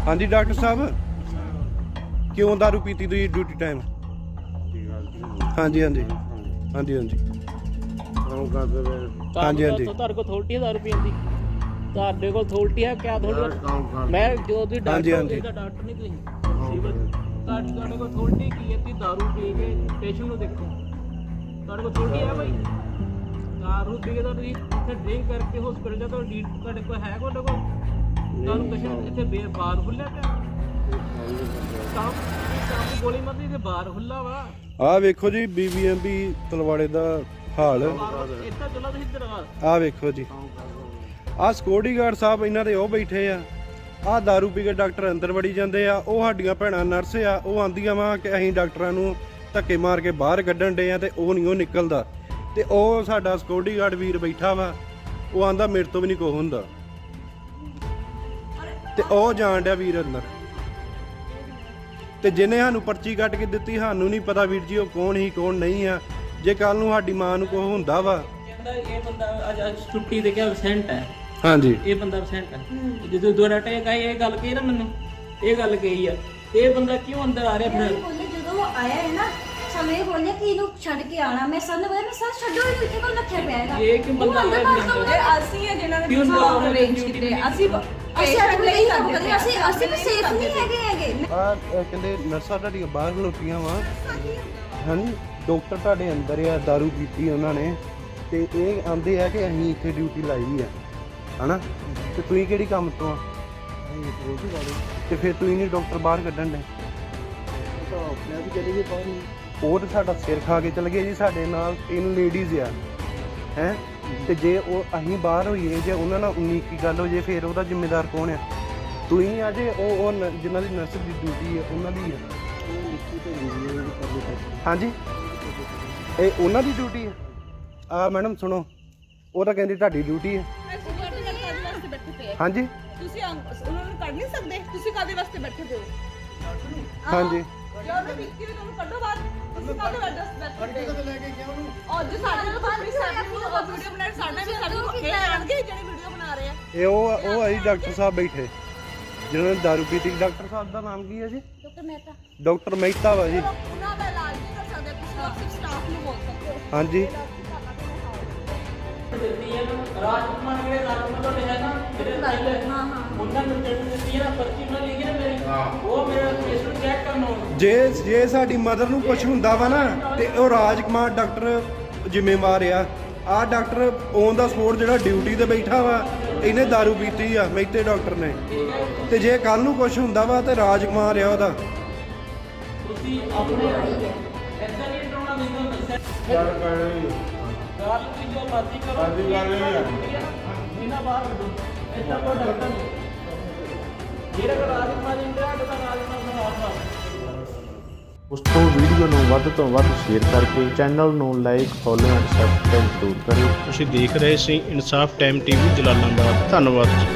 हाँ जी डॉक्टर साहब क्यों दारू पीती तुम ड्यूटी टाइम? हाँ जी हाँ जी हाँ जी हाँ जी हाँ जी हाँ जी ਤੁਹਾਡੇ ਕੋਲ ਅਥਾਰਟੀ ਹੈ ਦਾਰੂ ਪੀਣ ਦੀ? ਤੁਹਾਡੇ ਕੋਲ ਅਥਾਰਟੀ ਹੈ ਕਿਆ? ਤੁਹਾਡੇ ਮੈਂ ਜੋ ਤੁਸੀਂ ਡਾਕਟਰ ਦਾ ਡਾਕਟਰ ਨਹੀਂ ਤੁਸੀਂ ਸਿਵਲ ਤੁਹਾਡੇ ਕੋਲ ਅਥਾਰਟੀ ਕੀ ਹੈ? ਤੁਸੀਂ ਦਾਰੂ ਪੀ ਕੇ ਪੇਸ਼ੈਂਟ ਨੂੰ ਦੇਖੋ, ਤੁਹਾਡੇ ਕੋਲ ਅਥਾਰਟੀ ਹੈ ਭਾਈ? ਦਾਰੂ ਪੀ ਕੇ ਤਾਂ ਤੁਸੀਂ ਇੱਥੇ ਡਰਿੰਕ ਕਰਕੇ ਹਸਪੀਟਲ ਜਾ ਤੁਹਾਡੇ ਕੋਲ ਹੈ? ਤੁਹਾਡੇ ਕੋਲ ਤੁਹਾਨੂੰ ਪੇਸ਼ੈਂਟ ਇੱਥੇ ਬਾਹਰ ਖੁੱਲਿਆ ਪਿਆ ਕੰਮ ਗੋਲੀ ਮਾਰਦੀ ਤੇ ਬਾਹਰ ਖੁੱਲਾ ਵਾ। ਆ ਵੇਖੋ ਜੀ BBMP ਤਲਵਾੜੇ ਦਾ ਹਾਲ। ਇੱਥੇ ਚਲੋ ਤੁਸੀਂ ਦਰਵਾਜ਼ਾ ਆ ਵੇਖੋ ਜੀ ਆ ਸਿਕਿਉਰਟੀ ਗਾਰਡ ਸਾਹਿਬ ਇਹਨਾਂ ਦੇ ਉਹ ਬੈਠੇ ਆ। ਆ ਦਾਰੂ ਪੀ ਕੇ ਡਾਕਟਰ ਅੰਦਰ ਵੜੀ ਜਾਂਦੇ ਆ। ਉਹ ਸਾਡੀਆਂ ਭੈਣਾਂ ਨਰਸ ਆ, ਉਹ ਆਂਦੀਆਂ ਵਾ ਕਿ ਅਸੀਂ ਡਾਕਟਰਾਂ ਨੂੰ ਧੱਕੇ ਮਾਰ ਕੇ ਬਾਹਰ ਕੱਢਣ ਡੇ ਆ ਤੇ ਉਹ ਨਹੀਂ ਉਹ ਨਿਕਲਦਾ। ਤੇ ਉਹ ਸਾਡਾ ਸਿਕਿਉਰਟੀ ਗਾਰਡ ਵੀਰ ਬੈਠਾ ਵਾ, ਉਹ ਆਂਦਾ ਮੇਰੇ ਤੋਂ ਵੀ ਨਹੀਂ ਕੁਛ ਹੁੰਦਾ ਤੇ ਉਹ ਜਾਣ ਡਿਆ ਵੀਰ ਅੰਦਰ। ਤੇ ਜਿਹਨੇ ਸਾਨੂੰ ਪਰਚੀ ਕੱਟ ਕੇ ਦਿੱਤੀ ਸਾਨੂੰ ਨਹੀਂ ਪਤਾ ਵੀਰ ਜੀ ਉਹ ਕੌਣ ਹੀ ਕੌਣ ਨਹੀਂ ਆ। ਜੇ ਕੱਲ ਨੂੰ ਸਾਡੀ ਮਾਂ ਨੂੰ ਕੁਛ ਹੁੰਦਾ ਵਾ। ਕਹਿੰਦਾ ਇਹ ਬੰਦਾ ਅੱਜ ਛੁੱਟੀ ਤੇ ਗਿਆ ਐਬਸੈਂਟ ਹੈ। ਹਾਂਜੀ ਇਹ ਬੰਦਾ ਐਬਸੈਂਟ ਹੈ। ਜਦੋਂ ਦੋ ਡਾਟਾ ਇਹ ਗੱਲ ਕਹੀ ਨਾ ਮੈਨੂੰ, ਇਹ ਗੱਲ ਕਹੀ ਆ, ਇਹ ਬੰਦਾ ਕਿਉਂ ਅੰਦਰ ਆ ਰਿਹਾ ਫਿਰ? ਜਦੋਂ ਆਇਆ ਹੈ ਨਾ ਸਾਨੂੰ ਇਹ ਬੋਲਿਆ ਕਿ ਇਹਨੂੰ ਛੱਡ ਕੇ ਆਣਾ। ਮੈਂ ਸਾਨੂੰ ਬੋਲਿਆ ਮੈਂ ਸਰ ਛੱਡੋ ਇਹਨੂੰ, ਇੱਥੇ ਕੋਲ ਰੱਖਿਆ ਪਿਆ ਹੈਗਾ। ਇਹ ਕਿ ਬੰਦਾ ਅੰਦਰ ਆਇਆ ਭੱਜ ਫਿਰ ਗਿਆ। ਅਸੀਂ ਆ ਜਿਹਨਾਂ ਨੇ ਕਿਉਂ ਸਾਨੂੰ ਅਰੇਂਜ ਕੀਤੇ। ਅਸੀਂ ਨਹੀਂ ਕਰਦੇ, ਅਸੀਂ ਵੀ ਸੇਫ ਨਹੀਂ ਹੈਗੇ। ਆ ਕਹਿੰਦੇ ਨਰਸਾਂ ਤੁਹਾਡੀਆਂ ਬਾਹਰ ਖਲੋਤੀਆਂ ਵਾ। ਹਾਂਜੀ ਡਾਕਟਰ ਤੁਹਾਡੇ ਅੰਦਰ ਆ, ਦਾਰੂ ਪੀਤੀ ਉਹਨਾਂ ਨੇ ਤੇ ਇਹ ਆਂਦੇ ਆ ਕਿ ਅਸੀਂ ਇੱਥੇ ਡਿਊਟੀ ਲਾਈ ਆ ਹਨਾ। ਤੇ ਤੁਸੀਂ ਕਿਹੜੀ ਕੰਮ ਤੋਂ ਆ? ਤੇ ਫਿਰ ਤੁਸੀਂ ਨਹੀਂ ਡਾਕਟਰ ਬਾਹਰ ਕੱਢਣ ਦੇ? ਉਹ ਤਾਂ ਸਾਡਾ ਸਿਰ ਖਾ ਕੇ ਚਲ ਗਏ ਜੀ। ਸਾਡੇ ਨਾਲ 3 ਲੇਡੀਜ਼ ਆ ਹੈ। ਤੇ ਜੇ ਉਹ ਅਸੀਂ ਬਾਹਰ ਹੋਈਏ, ਜੇ ਉਹਨਾਂ ਨਾਲ 19 ਕੀ ਗੱਲ ਹੋ ਜੇ ਫਿਰ ਉਹਦਾ ਜ਼ਿੰਮੇਦਾਰ ਕੌਣ ਆ? ਤੁਸੀਂ ਆ ਜੇ ਉਹ ਜਿਨ੍ਹਾਂ ਦੀ ਨਰਸ ਦੀ ਡਿਊਟੀ ਹੈ ਉਹਨਾਂ ਦੀ ਆ। ਹਾਂਜੀ ਇਹ ਉਹਨਾਂ ਦੀ ਡਿਊਟੀ ਹੈ। ਆ ਮੈਡਮ ਸੁਣੋ, ਉਹ ਤਾਂ ਕਹਿੰਦੀ ਤੁਹਾਡੀ ਡਿਊਟੀ ਹੈ। ਹਾਂਜੀ ਤੁਸੀਂ ਉਹਨਾਂ ਨੂੰ ਕੱਢ ਨਹੀਂ ਸਕਦੇ? ਤੁਸੀਂ ਕਾਦੇ ਵਾਸਤੇ ਬੈਠੇ ਹੋ? ਹਾਂਜੀ ਜਦੋਂ ਮੈਂ ਵਿੱਕੀ ਨੂੰ ਤੁਹਾਨੂੰ ਕੱਢੋ ਬਾਹਰ। ਤੁਸੀਂ ਕਾਦੇ ਵਾਸਤੇ ਬੈਠੇ ਹੋ? ਲੈ ਕੇ ਗਿਆ ਉਹਨੂੰ। ਅੱਜ ਸਾਡੇ ਨਾਲ ਬਾਹਰ ਵੀਡੀਓ ਬਣਾ ਸਾਡੇ ਵੀ ਸਾਡੇ ਕੋਲ ਇਹ ਆਣਗੇ ਜਿਹੜੇ ਵੀਡੀਓ ਬਣਾ ਰਹੇ ਆ। ਇਹ ਉਹ ਆਈ ਡਾਕਟਰ ਸਾਹਿਬ ਬੈਠੇ ਜਿਹਨਾਂ ਨੇ ਦਾਰੂ ਪੀਤੀ। ਡਾਕਟਰ ਸਾਹਿਬ ਦਾ ਨਾਮ ਕੀ ਹੈ ਜੀ? ਡਾਕਟਰ ਮਹਿਤਾ। ਡਾਕਟਰ ਮਹਿਤਾ ਵਾ ਜੀ। ਉਹਨਾਂ ਦਾ ਇਲਾਜ ਨਹੀਂ ਕਰ ਸਕਦੇ, ਤੁਸੀਂ ਸਿਰਫ ਸਟਾਫ ਨੂੰ ਬੋਲ ਸਕਦੇ ਹੋ। ਹਾਂਜੀ ਰਾਜਕੁਮਾਰ ਜਿਹੜੇ ਰਾਜਕੁਮਾਰ ਦੇ ਹੈ ਨਾ ਜਿਹੜੇ ਉਹਨਾਂ ਨੂੰ ਦਿੱਤੀ ਹੈ ਨਾ ਪਰਚੀ ਉਹਨਾਂ ਲਿਖੀ ਨਾ ਮੇਰੀ, ਉਹ ਮੇਰਾ ਪੇਸ਼ੈਂਟ ਚੈੱਕ ਕਰਨ ਆਉਣ। ਜੇ ਸਾਡੀ ਮਦਰ ਨੂੰ ਕੁਝ ਹੁੰਦਾ ਵਾ ਨਾ ਤੇ ਉਹ ਰਾਜਕੁਮਾਰ ਡਾਕਟਰ ਜ਼ਿੰਮੇਵਾਰ ਆ। ਆਹ ਡਾਕਟਰ ਔਨ ਦਾ ਸਪੋਰਟ ਜਿਹੜਾ ਡਿਊਟੀ ਤੇ ਬੈਠਾ ਵਾ, ਇਹਨੇ ਦਾਰੂ ਪੀਤੀ ਆ ਮਹਿਤੇ ਡਾਕਟਰ ਨੇ। ਤੇ ਜੇ ਕੱਲ ਨੂੰ ਕੁਝ ਹੁੰਦਾ ਵਾ ਤੇ ਰਾਜਕੁਮਾਰ ਆ ਉਹਦਾ। ਤੁਸੀਂ ਆਪਣੇ ਐਦਾਂ ਨਹੀਂ ਡਰਾਉਣਾ ਮੈਨੂੰ ਦੱਸਿਆ ਗੱਲ ਤੁਸੀਂ ਜੋ ਮਰਜ਼ੀ ਕਰੋ ਬਿਨਾਂ ਬਾਹਰ ਕੱਢੋ। ਐਦਾਂ ਕੋਈ ਡਾਕਟਰ ਨਹੀਂ ਜਿਹੜਾ ਕੋਲ ਰਾਜਕੁਮਾਰ ਇੰਦਰਾ ਦਾ ਰਾਜਕੁਮਾਰ ਦਾ ਆਸਵਾ। ਉਸ ਤੋਂ ਵੀਡੀਓ ਨੂੰ ਵੱਧ ਤੋਂ ਵੱਧ ਸ਼ੇਅਰ ਕਰਕੇ ਚੈਨਲ ਨੂੰ ਲਾਈਕ ਫੋਲੋ ਐਂਡ ਸਬਸਕ੍ਰਾਈਬ ਜ਼ਰੂਰ ਕਰਿਓ। ਤੁਸੀਂ ਦੇਖ ਰਹੇ ਸੀ ਇਨਸਾਫ ਟਾਈਮ ਟੀਵੀ ਜਲਾਲਾਬਾਦ। ਧੰਨਵਾਦ।